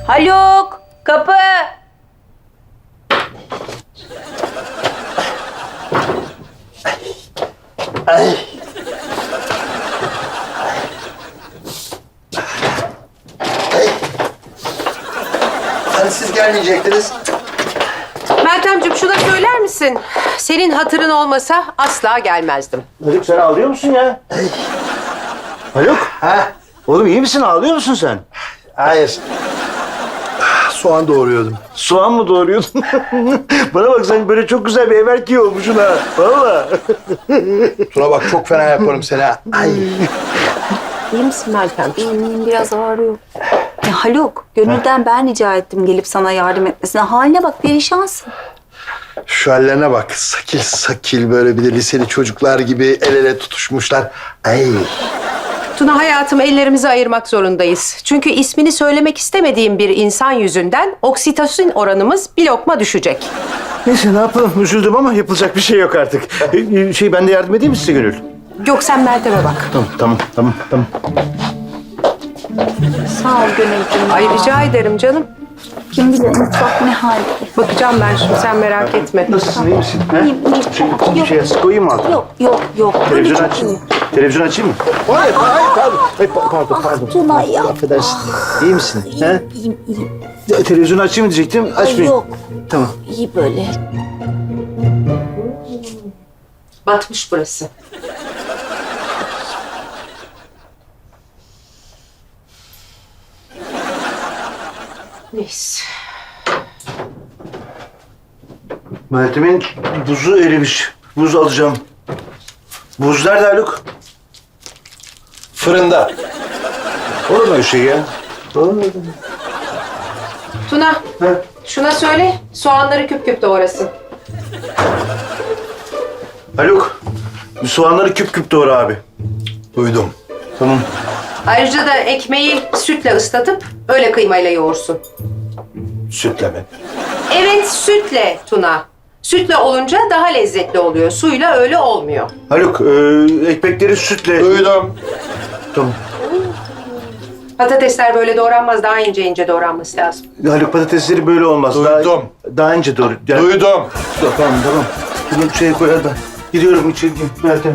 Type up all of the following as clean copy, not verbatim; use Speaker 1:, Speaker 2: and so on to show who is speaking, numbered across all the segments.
Speaker 1: Haluk, kapı.
Speaker 2: Ay. Hani siz gelmeyecektiniz?
Speaker 3: Meltemciğim şuna söyler misin? Senin hatırın olmasa asla gelmezdim.
Speaker 4: Haluk sen ağlıyor musun ya? Haluk.
Speaker 2: Ha?
Speaker 4: Oğlum iyi misin? Ağlıyor musun sen?
Speaker 2: Hayır. Soğan doğruyordum.
Speaker 4: Soğan mı doğruyordun? Bana bak sen böyle çok güzel bir ev erkeği olmuşsun ha. Valla.
Speaker 2: Tuna bak çok fena yaparım seni ha. Ay.
Speaker 3: İyi misin Meltemciğim?
Speaker 1: Benim biraz ağrıyor. Ya Haluk, gönülden ben rica ettim gelip sana yardım etmesine. Haline bak, perişansın.
Speaker 2: Şu hallerine bak. Sakil sakil böyle bir de liseli çocuklar gibi el ele tutuşmuşlar. Ay.
Speaker 3: Tuna hayatım ellerimizi ayırmak zorundayız. Çünkü ismini söylemek istemediğim bir insan yüzünden oksitosin oranımız bir lokma düşecek.
Speaker 4: Neyse ne yapalım? Üzüldüm ama yapılacak bir şey yok artık. Ben de yardım edeyim mi size Gönül?
Speaker 3: Yok sen Meltem'e bak.
Speaker 4: Tamam.
Speaker 1: Sağ ol Gönülcüğüm.
Speaker 3: Ay rica ederim canım.
Speaker 1: Kim bilir mutfak ne halde.
Speaker 3: Bakacağım ben şimdi sen merak etme.
Speaker 4: Nasılsın? İyi misin? Ha?
Speaker 1: İyiyim.
Speaker 4: Koyayım mı altına?
Speaker 1: Yok. Böyle
Speaker 4: Televizyon
Speaker 1: çok
Speaker 4: açayım
Speaker 1: iyi.
Speaker 4: mı? Televizyon açayım mı?
Speaker 2: Hayır pardon. Ay, pardon.
Speaker 1: Tuna ya.
Speaker 4: Affedersin. İyi misin? He?
Speaker 1: İyiyim.
Speaker 4: Televizyonu açayım mı diyecektim. Açmayayım.
Speaker 1: Yok.
Speaker 4: Tamam.
Speaker 1: İyi böyle.
Speaker 3: Batmış burası. Neyse.
Speaker 4: Meltem'in buzu erimiş. Buz alacağım. Buz nerede Haluk?
Speaker 2: Fırında.
Speaker 4: Olur mu öyle şey ya? Olur mu?
Speaker 3: Tuna,
Speaker 4: Ha?
Speaker 3: şuna söyle soğanları küp küp doğrasın.
Speaker 4: Haluk, bir soğanları küp küp doğra abi.
Speaker 2: Duydum.
Speaker 4: Tamam.
Speaker 3: Ayrıca da ekmeği sütle ıslatıp öyle kıymayla yoğursun.
Speaker 4: Sütle mi?
Speaker 3: Evet sütle Tuna. Sütle olunca daha lezzetli oluyor. Suyla öyle olmuyor.
Speaker 4: Haluk, ekmekleri sütle...
Speaker 2: Duydum.
Speaker 4: Tamam.
Speaker 3: Patatesler böyle doğranmaz. Daha ince doğranması lazım.
Speaker 4: Haluk patatesleri böyle olmaz.
Speaker 2: Duydum.
Speaker 4: Daha ince doğru.
Speaker 2: Duydum.
Speaker 4: Tamam. Bunu şeye koyar da. Gidiyorum içeri. Meltem.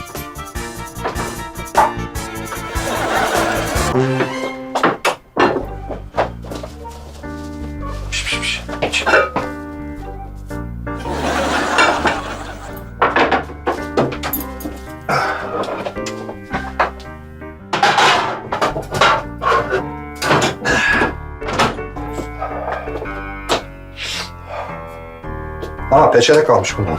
Speaker 2: Aa peçete kalmış bunun.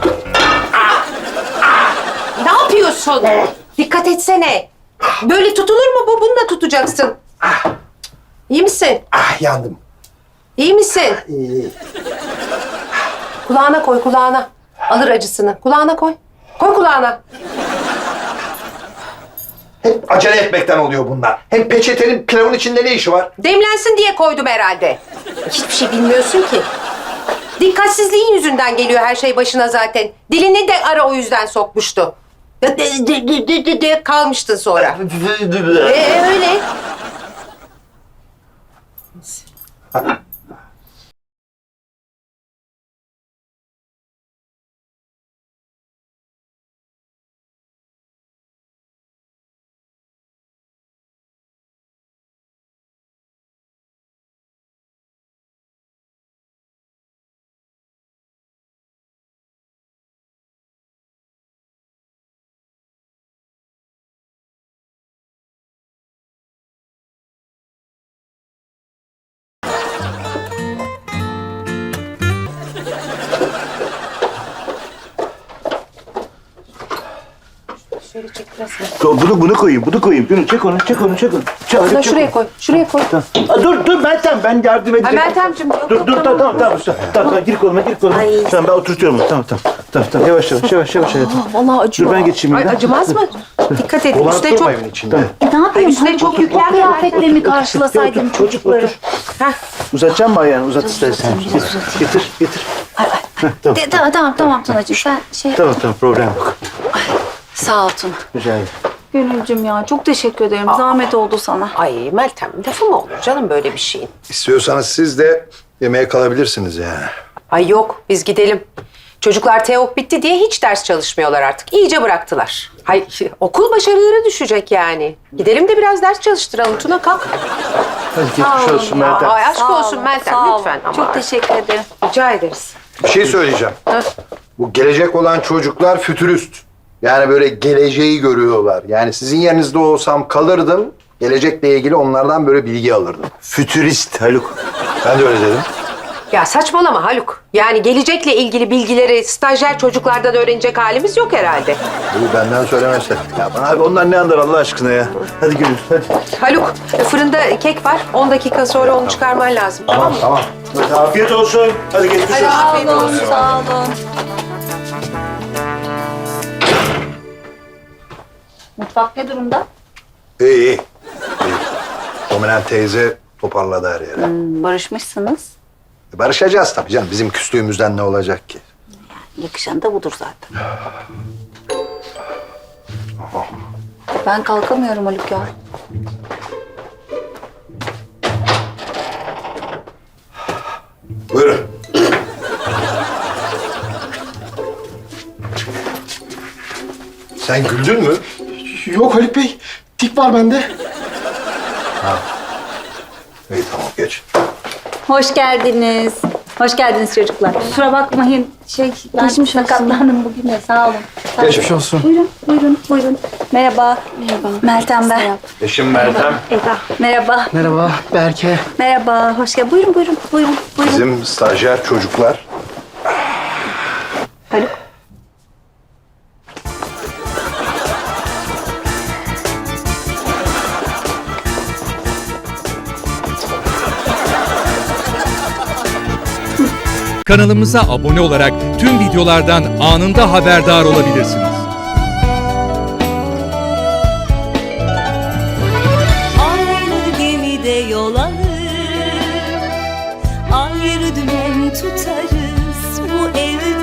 Speaker 3: Ne yapıyorsun? Dikkat etsene. Böyle tutulur mu bu? Bununla tutacaksın. İyi misin?
Speaker 2: Ah yandım.
Speaker 3: İyi misin? Kulağına koy, kulağına. Alır acısını. Kulağına koy. Koy kulağına.
Speaker 2: Hep acele etmekten oluyor bunlar. Hem peçetenin pilavın içinde ne işi var?
Speaker 3: Demlensin diye koydum herhalde. Hiçbir şey bilmiyorsun ki. Dikkatsizliğin yüzünden geliyor her şey başına zaten. Dilini de ara o yüzden sokmuştu. Kalmıştın sonra. Öyle. Şöyle çek biraz.
Speaker 4: Bunu koyayım. Gönül çek onu.
Speaker 3: Şuna şuraya koy. Şuraya koy.
Speaker 4: Dur Meltem ben yardım edeceğim.
Speaker 3: Meltemciğim, yok,
Speaker 4: Dur
Speaker 3: yok,
Speaker 4: tamam gir koluma.
Speaker 1: Ay.
Speaker 4: Tamam ben oturtuyorum onu. Tamam yavaş hayatım.
Speaker 1: Vallahi acıyor.
Speaker 4: Dur ben geçeyim.
Speaker 3: Ay,
Speaker 4: bir de.
Speaker 3: acımaz mı? Dikkat et.
Speaker 2: Dolanıp
Speaker 3: Üstüne
Speaker 2: durma
Speaker 3: çok...
Speaker 2: evin içinde.
Speaker 1: Ne yapayım?
Speaker 3: Üstüne çok yüklenme.
Speaker 1: Kıyafetlerimi karşılasaydım çocukları.
Speaker 3: Heh.
Speaker 4: Uzatacağım mı ayağını? Uzat istersen. Getir. Tamam.
Speaker 1: Tamam Tunacığım. Sen
Speaker 4: Tamam problem yok.
Speaker 1: Sağ ol Tuna.
Speaker 4: Rica ederim.
Speaker 1: Gönülcüm ya çok teşekkür ederim. Zahmet oldu sana.
Speaker 3: Ay Meltem, lafı mı olur canım böyle bir şeyin?
Speaker 2: İstiyorsanız siz de yemeğe kalabilirsiniz yani.
Speaker 3: Ay yok, biz gidelim. Çocuklar TEOK bitti diye hiç ders çalışmıyorlar artık. İyice bıraktılar. Hay okul başarıları düşecek yani. Gidelim de biraz ders çalıştıralım. Tuna kalk.
Speaker 4: Hadi geçmiş olsun Meltem.
Speaker 3: Ay aşk
Speaker 1: Sağ
Speaker 3: olsun
Speaker 1: olun,
Speaker 3: Meltem
Speaker 1: sağ olun.
Speaker 3: lütfen. Ama
Speaker 1: Çok teşekkür ederim.
Speaker 3: rica ederiz.
Speaker 2: Bir şey söyleyeceğim.
Speaker 3: Hah.
Speaker 2: Bu gelecek olan çocuklar fütürist. Yani böyle geleceği görüyorlar. Yani sizin yerinizde olsam kalırdım. Gelecekle ilgili onlardan böyle bilgi alırdım.
Speaker 4: Fütürist Haluk.
Speaker 2: Ben de öyle dedim.
Speaker 3: Ya saçmalama Haluk. Yani gelecekle ilgili bilgileri stajyer çocuklardan öğrenecek halimiz yok herhalde.
Speaker 2: Bu benden söylemezse.
Speaker 4: Ya bana abi onlar ne anlar Allah aşkına ya. Hadi Gönül hadi.
Speaker 3: Haluk, fırında kek var. 10 dakika sonra onu çıkarman lazım. Tamam mı?
Speaker 2: Tamam.
Speaker 4: Hadi afiyet olsun. Hadi geçmiş
Speaker 3: Hadi
Speaker 4: olsun.
Speaker 3: afiyet
Speaker 1: Sağ olun,
Speaker 3: olsun.
Speaker 1: sağ olun. Mutfak ne durumda?
Speaker 2: İyi iyi. Dominant teyze toparladı her yeri.
Speaker 1: Barışmışsınız.
Speaker 2: Barışacağız tabii canım. Bizim küslüğümüzden ne olacak ki?
Speaker 1: Yakışan da budur zaten. Ben kalkamıyorum Haluk ya.
Speaker 2: Buyurun. Sen güldün mü?
Speaker 5: Yok Haluk Bey, tik var bende.
Speaker 2: İyi tamam geç.
Speaker 1: Hoş geldiniz. Hoş geldiniz çocuklar. Kusura bakmayın. Ben sakatlandım bugün de. Sağ olun. Sağ olun.
Speaker 2: Geçmiş
Speaker 5: olsun.
Speaker 1: Buyurun, buyurun, buyurun. Merhaba. Merhaba. Meltem ben.
Speaker 2: Eşim Meltem.
Speaker 1: Eda. Merhaba.
Speaker 5: Merhaba Berke.
Speaker 1: Merhaba. Hoş geldin. Buyurun, buyurun, buyurun, buyurun.
Speaker 2: Bizim stajyer çocuklar.
Speaker 1: Haluk.
Speaker 6: Kanalımıza abone olarak tüm videolardan anında haberdar olabilirsiniz.
Speaker 7: Aynı gemide yol alır, ayrı dümen tutarız. Bu evde